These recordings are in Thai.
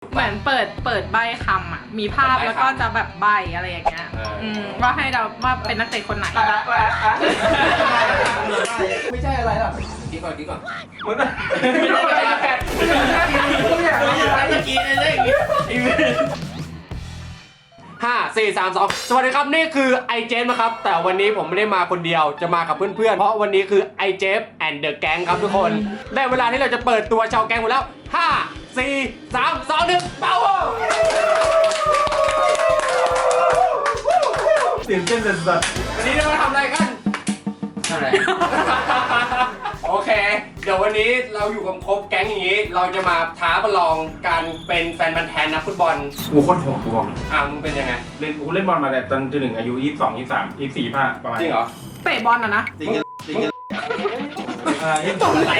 เหมือนเปิดใบคำอ่ะมีภาพแล้วก็จะแบบใบอะไรอย่างเงี้ยว่าให้เราว่าเป็นนักเตะคนไหนไม่ใช่อะไรหรอกกินก่อนมึงไม่ได้แค่ทุกอย่างไม่กินอะไรอย่างงี้ 5 4 3 2สวัสดีครับนี่คือไอเจฟนะครับแต่วันนี้ผมไม่ได้มาคนเดียวจะมากับเพื่อนๆเพราะวันนี้คือไอเจฟแอนด์เดอะแก๊งครับทุกคนได้เวลาที่เราจะเปิดตัวชาวแก๊งหมดแล้ว5 4 3 2 1เป้าตื่นเต้นสุดวันนี้เรามาทำอะไรกันอะไร โอเคเดี๋ยววันนี้เราอยู่กับครบแก๊งอย่างนี้เราจะมาท้าประลองการเป็นแฟนบันแทนนักฟุตบอลกูโคตรโหดกูบอกมึงเป็นยังไงกูเล่นบอลมาแต่ตอนที่1อายุ22 23 24 25ประมาณจริงเหรอเตะบอลนะจริงอะไร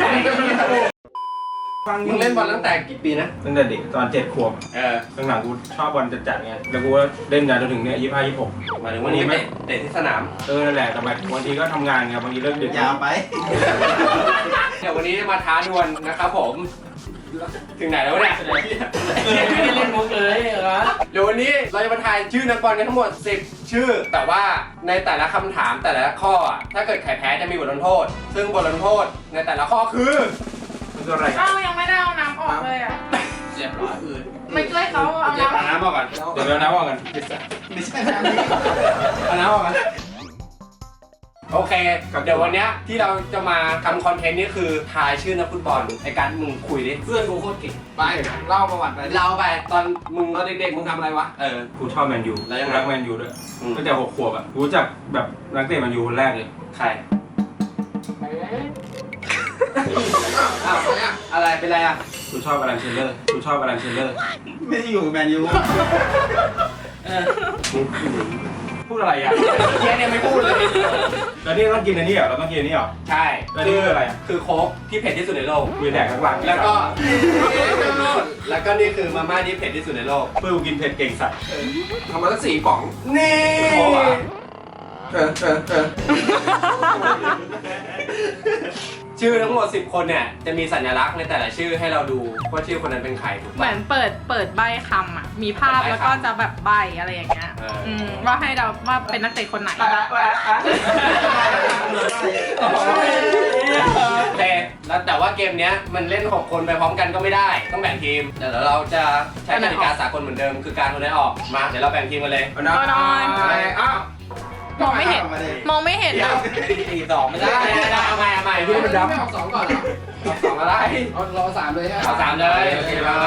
มึงเล่นบอลตั้งแต่กี่ปีนะตั้งแต่เด็กตอน7 ขวบหลังๆกูชอบบอลจัดๆไงแล้วกูก็เล่นยาวจนถึงเนี่ย25 26 หมายถึงวันนี้ไม่เตะที่สนามนั่นแหละแต่แบบบางทีก็ทำงานไงบางทีเลิกดึกยาวไปเดี๋ยววันนี้มาท้าดวลนะครับผมถึงไหนแล้วเนี่ยไม่ได้เล่นมุกเลยเหรอเดี๋ยววันนี้เราจะมาทายชื่อนักบอลกันทั้งหมด10ชื่อแต่ว่าในแต่ละคำถามแต่ละข้อถ้าเกิดใครแพ้จะมีบทลงโทษซึ่งบทลงโทษในแต่ละข้อคืออะไรยังไม่ได้เอาน้ำออกเลยอ่ะเรียบร้อยไม่ช่วยเขาเอาน้ำออกก่อนเดี๋ยวน้ำออกกันไม่ใช่น้ำเอาน้ำออกกันโอเคเดี๋ยววันนี้ที่เราจะมาทำคอนเทนต์นี้คือทายชื่อนักฟุตบอลไอ้การมึงคุยดิเพื่อนกูโคตรเก่งไปเล่าประวัติไปเล่าไปตอนมึงตอนเด็กๆมึงทำอะไรวะกูชอบแมนยูรักแมนยูด้วยตั้งแต่6 ขวบอ่ะกูรู้จักแบบนักเตะแมนยูคนแรกเลยใครอะไรเป็นไรอ่ะกูชอบอลันเชลเลอร์ไม่ได้อยู่กับแมนยูพูดอะไรอ่ะเฮียเนี่ยไม่พูดเลยแล้วนี่ต้องกินอันนี้เหรอเราต้องกินอันนี้เหรอใช่แล้วนี่คืออะไรคือโค้กที่เผ็ดที่สุดในโลกมีแดกข้างหลังแล้วก็นี่คือมาม่าที่เผ็ดที่สุดในโลกเพื่อกูกินเผ็ดเก่งสัตว์ทำมาตั้ง4 ป๋องนี่โค้กอ่ะชื่อทั้งหมด10 คนเนี่ยจะมีสัญลักษณ์ในแต่ละชื่อให้เราดูว่าชื่อคนนั้นเป็นใครถูกเหมือนเปิดใบคำอ่ะมีภาพแล้วก็จะแบบใบอะไรอย่างเงี้ยว่าให้เราว่าเป็นนักเตะคนไหนแต่ว่าเกมเนี้ยมันเล่น6 คนไปพร้อมกันก็ไม่ได้ต้องแบ่งทีมเดี๋ยวเราจะใช้กติกาสากลเหมือนเดิมคือการคนได้ออกมาเดี๋ยวเราแบ่งทีมกันเลยมองไม่เห็นเดี๋ยว4-2ไม่ได้เอาใหม่พี่มันดับไม่ออก2ก่อนเหรอ 2อะไรรอ3เลยเอา3เลยโอเคไป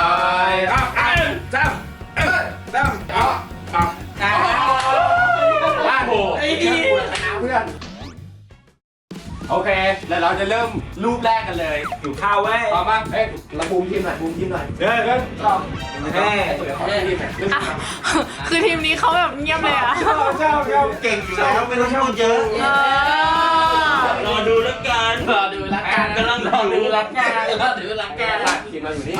โอเคแล้วเราจะเริ่มรูปแรกกันเลยอยู่ข้าวเว้ยพร้อมป่ะเราบูมทีมหน่อยคือทีมนี้เขาแบบเงียบเลยอ่ะชอบเก่งอยู่แล้วไม่ต้องชอบเยอะรอดูละกันกำลังรอดูละกันทีมเราอยู่นี่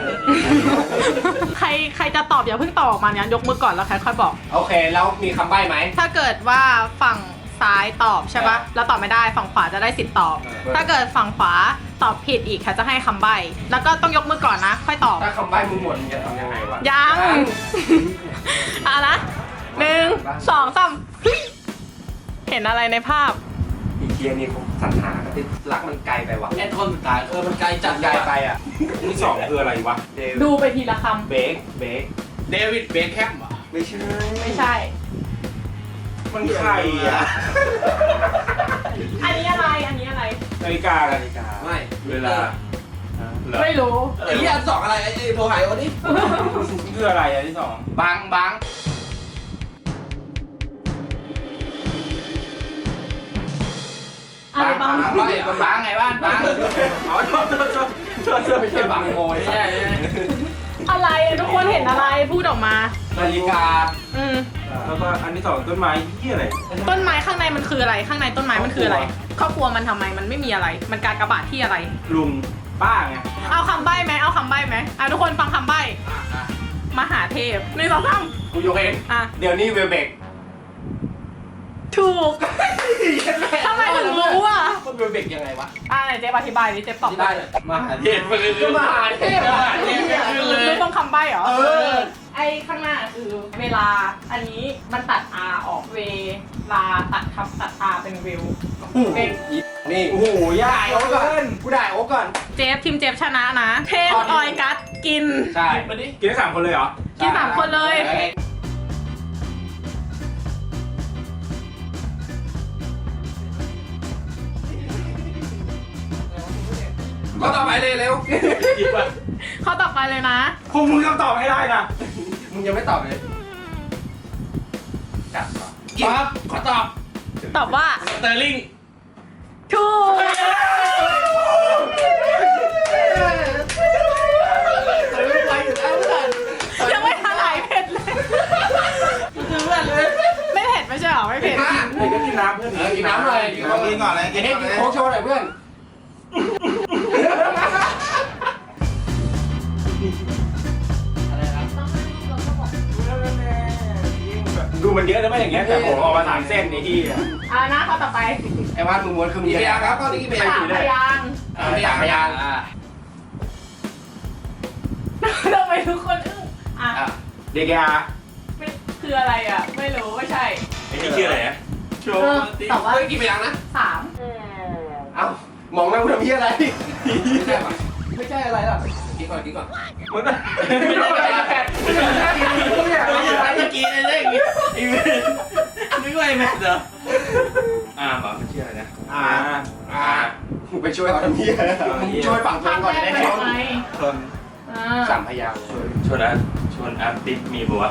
ใครจะตอบอย่าเพิ่งตอบออกมาเนี่ยยกมือก่อนแล้วค่อยบอกโอเคแล้วมีคำใบ้ไหมถ้าเกิดว่าฝั่งซ้ายตอบใช่ปะแล้วตอบไม่ได้ฝั่งขวาจะได้สิทธิ์ตอบถ้าเกิดฝั่งขวาตอบผิดอีกค่ะจะให้คำใบ้แล้วก็ต้องยกมือก่อนนะค่อยตอบถ้าคำใบ้มึงหมดมึงจะทำยังไงวะยังนะ1 2 3เห็นอะไรในภาพอีเคียนี่ผมสัญหาที่รักมันไกลไปวะไอ้คนสุดท้ายมันไกลจัดไกลไปอ่ะที่2คืออะไรวะดูไปทีละคำเบคเดวิดเบคแฮมเหรอไม่ใช่มันใครอ่ะอันนี้อะไรนาฬิกาไม่เวลาไม่รู้ไอ้ที่อัน2อะไรไอ้โทรหายวันนี้คืออะไรอันที่2 บังอะไรบ้างบังไงบ้านบังอ๋อโทษไม่ใช่บังโมยใช่อะไรทุกคนเห็นอะไรพูดออกมานาฬิกาแล้วก็อันที่2ต้นไม้ที่อะไรต้นไม้ข้างในมันคืออะไรข้างในต้นไม้มันคืออะไรครอบครัวมันทำไมมันไม่มีอะไรมันการกระบาดที่อะไรลุงป้าไงเอาคำใบ้ไหมทุกคนฟังคำใบ้มหาเทพ1 2 3 กูยกเองเดี๋ยวนี้เวลเบกถูกทำไมถึงรู้อ่ะมันเวลเบกยังไงวะไหนเจ๊อธิบายดิเจ๊ตอบได้มหาเทพก็มหาเทพรู้ปใบ้เหรอเออไอ้ข้างหน้าคือเวลา อันนี้มันตัด R ออกเวลาตัดคำตัด R เป็นวิวเป็นนี่โอ้โหยากโอ๊กก่อนกูได้โอ๊กก่อนเจฟทีมเจฟชนะนะ เทพออยกัสกินใช่มาดิกินได้3 คนเลยเหรอกิน3 คนเลยก็ต่อไปเลยเร็วกินป่ะข้อต่อไปเลยนะพวกมึงต้องตอบให้ได้นะมึงยังไม่ตอบเลยจับก่อนปั๊บขอตอบตอบว่าสเตอร์ลิงถูกยังไม่ทันไหลเผ็ดเลยไม่เผ็ดไม่ใช่หรอไม่เผ็ดเดี๋ยวก็กินน้ำเพื่อนกินน้ำหน่อยกินก่อนเลยกินให้กินโค้กโชว์หน่อยเพื่อนดูมันเยอะนะไม่อย่างเงี้ยแต่ผมออกมา3 เส้นนี่ที่นะข้อต่อไปไอ้วาดมึงม้วนคือมึงกี่พยางค์ครับข้อนี้กี่พยางค์ 3 พยางค์สามพยางค์ทำไมทุกคนอึ้งอ่ะเด็กยาไม่คืออะไรอ่ะ ไม่รู้ไม่ใช่ไอ้นี่ชื่ออะไรนะโชว์ตอบว่าเฮ้ยกี่พยางค์นะ 3 เอ้ามองหน้ากูทำเหี้ยอะไรไม่ใช่ป่ะไม่ใช่อะไรหรอกกินก่อนกินก่อนมึงไม่ได้ไปแปดทุกอย่างไม่ใช่เมื่อกี้ไอ้เรื่องนี้ไอ้เว้ยนึกว่าไอ้แมทเหรอเหรอมันชื่ออะไรนะมึงไปช่วยเขาทำเหี้ยมึงช่วยฝั่งตัวเองก่อนจะได้ไปไม่ทำไมคนสามพยางค์ชวนอาร์ติสมีบัว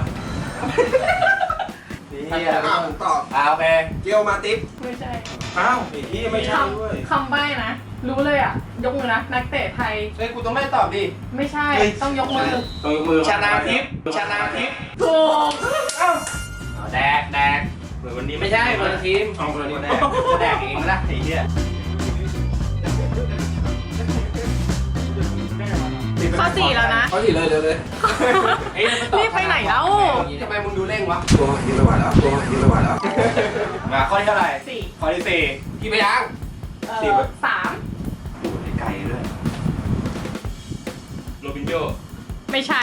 นี่ผมตอบโอเคเกียวมาติ๊บไม่ใช่อ้าวไอ้ที่ไม่ใช่ด้วยคำใบ้นะ รู้เลยอ่ะ ยกมือนะ นักเตะไทยเฮ้ยกูต้องไม่ตอบดิไม่ใช่ ต้องยกมือตรงมือชนะทิพย์ชนะทิพย์ถูกแดกเหมือนวันนี้ไม่ใช่คนละทีมของคนนี้แดกจะแดกเองนะไอ้เหี้ยข้อ 4 แล้วนะเขาสิเลยเลยไอ้เนี่ยมันตอบรีบไปไหนแล้วทำไมมึงดูเร่งวะตัวยืนระหว่างแล้วตัวยืนระหว่างแล้วมาข้อที่เท่าไหร่ 4 ข้อที่สี่กี่พยางค์ 3 ไก่ด้วยโรบินโญ่ไม่ใช่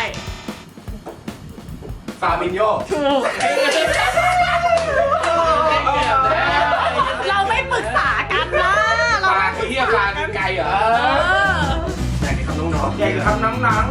ฟาบินโยถูก เราไม่ปรึกษากันนะเราปลาไอ้เหี้ยปลากินไก่เหรออยากให้คำน้องๆใหญ่กับคำน้ำ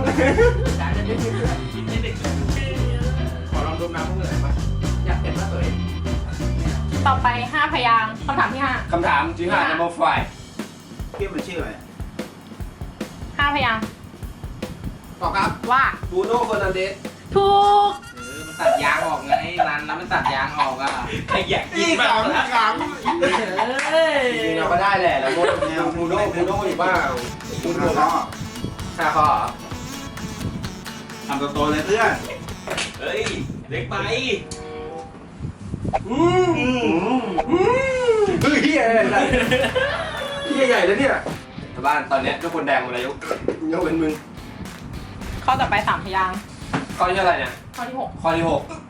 ขอลองดมน้ำเพื่อนหน่อยปะอยากเห็นว่าตัวเองต่อไป 5 พยางค์คำถามที่คำถามที่5 number เทียบเป็นชื่ออะไร 5 5 พยางค์ตอบครับว่าบูโน่เฟอร์นันเดสถูกมันตัดยางออกไงร้านนั้นมันตัดยางออกอ่ะใครอยากกินนี่บ้างขำจริงๆเราก็ได้แหละแล้วบูโน่อยู่บ้างพูดหัว 5 ข้อทำตัวโตเลยเพื่อนเฮ้ยเล็กไปเฮ้ยเฮียอะไรเฮียใหญ่แล้วเนี่ยบ้านตอนเนี้ยทุกคนแดงหมดเลยยกเป็นมึงข้อต่อไป 3 พยางค์ข้อที่เท่าไหร่เนี่ยข้อที่ข้อที่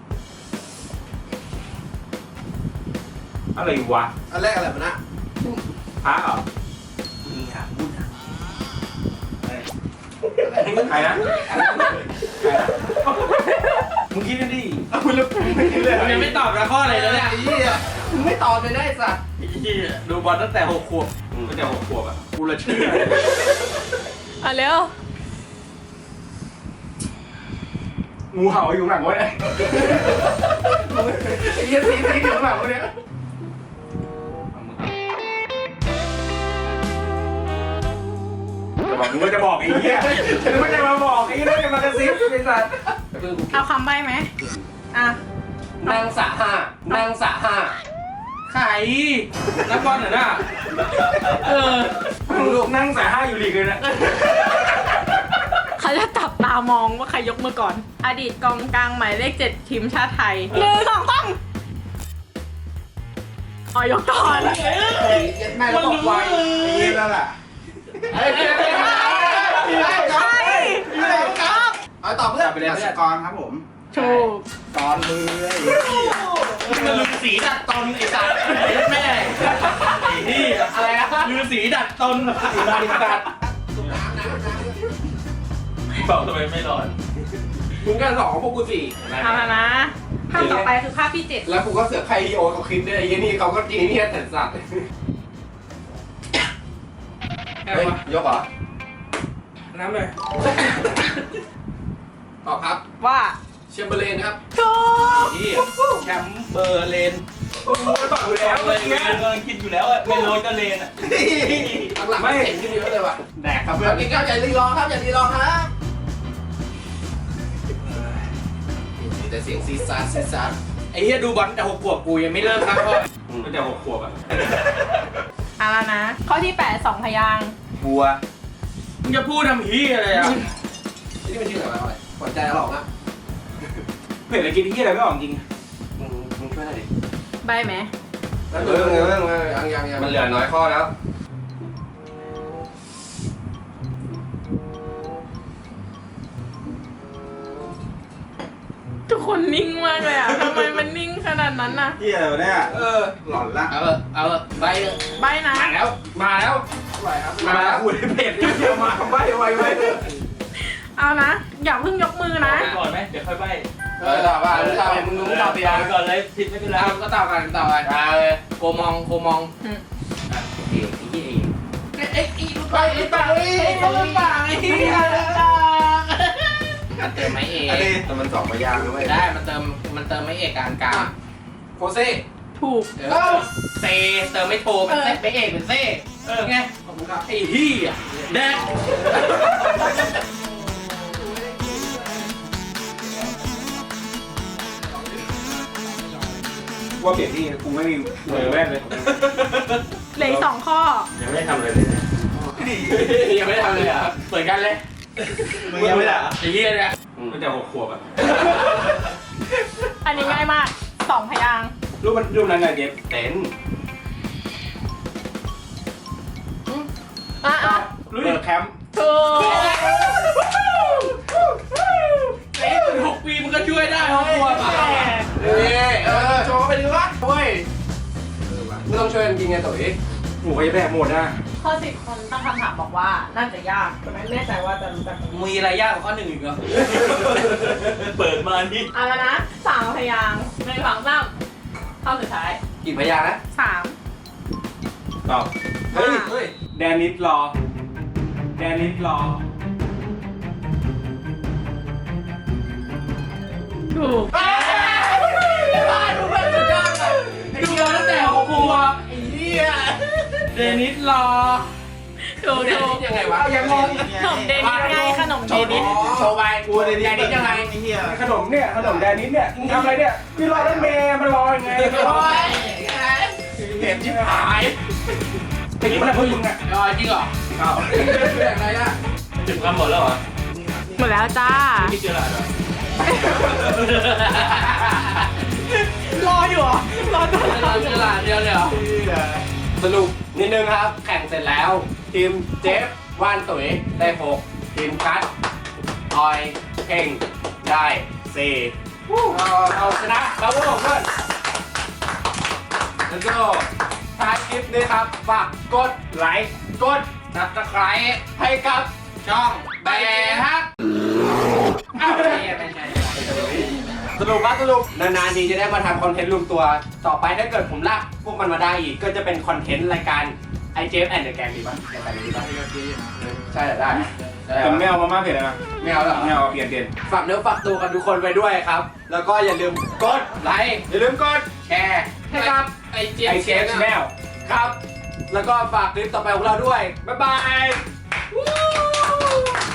อะไรวะ 6อันแรกอะไรมานะพระเหรอมึงหาพูดนะใครนะมึงคิดกันดิคุณลึกไม่คิดเลยมึงยังไม่ตอบนะข้ออะไรแล้วเนี่ยไอ้เหี้ยมึงไม่ตอบเลยได้สัตว์ไอ้เหี้ยดูบอลตั้งแต่6 ขวบตั้งแต่6 ขวบอ่ะกูละเชื่อ 6เร็วงูเห่าอยู่หลังวะเนี่ยไอ้เหี้ยสีอยู่ข้างหลังวะเนี่ยจะบอกมึงก็จะบอกไอ้เหี้ยฉันไม่ได้มาบอกไอ้เหี้ยจะมากระซิบไอ้สัตว์เอาคำใบ้ไหมอ่ะนางสาห้าใครนักบอลเหรอน่ะลูกนั่งสาย5อยู่ลีกเลยนะเขาจะจับตามองว่าใครยกมือก่อน อดีตกองกลางหมายเลข 7 ทีมชาติไทย1 2 3ยกก่อนแม่แล้วบอกไวไอ้เหี้ยนั่นแหละเฮ้ยใช่ครับเอาตอบเพื่อนไปเลยสกรครับผมถูกตอนมือมันลือสีดัดตนไอ้สัตว์แม่ไอ้นี่อะไรนะลือสีดัดตนไอ้สัตว์มเป่าทำไมไม่ร้อนมึงกันสองพวกกูสี่เอาละนะภาพต่อไปคือภาพที่ 7 แล้วกูก็เสือกใครโอเขาคิดด้วยไอ้นี่เขาก็จีนี่แต่สัตว์เฮ้ยยกเหรอน้ำเลยตอบครับว่าเชมเบอร์เลนครับถูกที่แชมป์เบอร์เลนกูก็ตอบอยู่แล้วเลเมื่อย กี้เงินคิดอยู่แล้วอะไม่โรยก็เลนอะหลังๆไม่เห็นขึ้นเยอะเลยว่ะแดกครับเพื่เพื่ออน นกินข้าวอย่ารีรอครับอย่ารีรอครับแต่เสียงซีซาร์ซีซาร์ไอ้เหี้ยดูบอลแต่6 ขวบกูยังไม่เริ่มครับพ่อก็จะ6 ขวบอะเอาละนะ ข้อที่ 8 2 พยางค์บัวมึงจะพูดทำเหี้ยอะไรอ่ะนี่มันชื่ออะไรวะหัวใจหลอกนะเผื่อจะกินเหี้ยอะไรไม่ออกจริงมึงช่วยหน่อยดิใบไหมยังมันเหลือน้อยข้อแล้วทุกคนนิ่งมากเลยอ่ะ ทำไมมันนิ่งขนาดนั้นน่ะเที่ยวเนี่ย หลอนละเอาไปใบนะมาแล้วมาแล้วมาแล้วพูดเผ็ดเดียวมาใบไวเอานะ อย่าเพิ่งยกมือนะไปก่อนไหมเดี๋ยวค่อยใบตอบว่ามึงตอบมึงตอบไปยังไปก่อนเลยผิดไม่เป็นไรก็ต่อกันโคมองไอ้อีลูกไปไอ้ปังไอ้ลูกปังไอ้เหี้ยเติมไม่เอกแต่มันสองพยางค์ด้วยได้มันเติมไม่เอกกลางโคเซ่ถูกเซเติมไม่โทมันเซไม่เอกเป็นเซไงขอบคุณครับไอ้เหี้ยแดกว่าเปลี่ยนที่กูไม่มีเหมือนแว่นเลยเหลืออีก2 ข้อยังไม่ได้ทำอะไรเลยนะยังไม่ได้ทำเลยอ่ะเหมือนกันเลยมึงยังไม่ได้อะไอ้เหี้ยเนี่ยก็จะ6 ขวบอ่ะอันนี้ง่ายมาก 2 พยางค์รูปนั้นไงเก็บเต็นอ่ะรู้ดิแคมป์ถูกไอ้6 ปีมันก็ช่วยได้ครอบครัวป่ะโชว์ไปดีวะเว้ยไม่ต้องช่วยกันกินไงตุ๋ยหมูก็จะแบกหมดนะข้อ 10 คนตั้งคำถามบอกว่าน่าจะยากแต่ไม่แน่ใจว่าจะรู้จักไหมมีอะไรยากกว่าข้อ 1อีกเหรอเปิดมานี่เอาละนะ3 พยางค์1 2 3ข้อสุดท้ายกี่พยางค์นะ 3 ตอบเฮ้ยแดนนิดรอ แดนนิดรอถูกดูแบบสุดยอดเลยดูมาตั้งแต่6 ขวบไอ้เหี้ยเดนิสรอถูกเดถูนิกสยังไงวะยังงงขนมเดนิสไงขนมเดนิสโชว์ไปกูเดนิสยังไงขนมเนี่ยขนมแดนนิดเนี่ยมึงทำอะไรเนี่ยพี่รอรถเมย์มันรอยังไงโอ้ยเห็นชิบหายไปกินอะไรพวกมึงอ่ะรอจริงเหรออ้าวเรื่องอะไรอ่ะถึงคำหมดแล้วเหรอหมดแล้วจ้าคิดเจออะไรเหรอรออยู่เหรอ รอจนเราเจอหลานเดียวเลยเหรอสรุปนิดนึงครับ แข่งเสร็จแล้ว ทีมเจฟว่านตุ๋ยได้6ทีมคัทออยเข่งได้4เอาชนะแล้วพวกผมเพื่อนแล้วก็ท้ายคลิปนี้ครับฝากกดไลค์กดซับสไครต์ให้กับช่องแบฮักอ้าวไม่ใช่สรุปนานๆทีจะได้มาทำคอนเทนต์รวมตัว ต่อไปถ้าเกิดผมลากพวกมันมาได้อีก ก็จะเป็นคอนเทนต์รายการไอเจฟแอนด์เดอะแกงดีป่ะรายการนี้ดีป่ะใช่ได้ผมไม่เอามาม่าเผ็ดนะไม่เอาหรอไม่เอาเปลี่ยนฝากเนื้อฝากตัวกันทุกคนไปด้วยครับ แล้วก็อย่าลืมกดไลค์อย่าลืมกดแชร์ให้ครับไอเจี๊ยไอบ เชฟแนลครับ แล้วก็ฝากคลิปต่อไปของเราด้วย บ๊ายบาย Woo!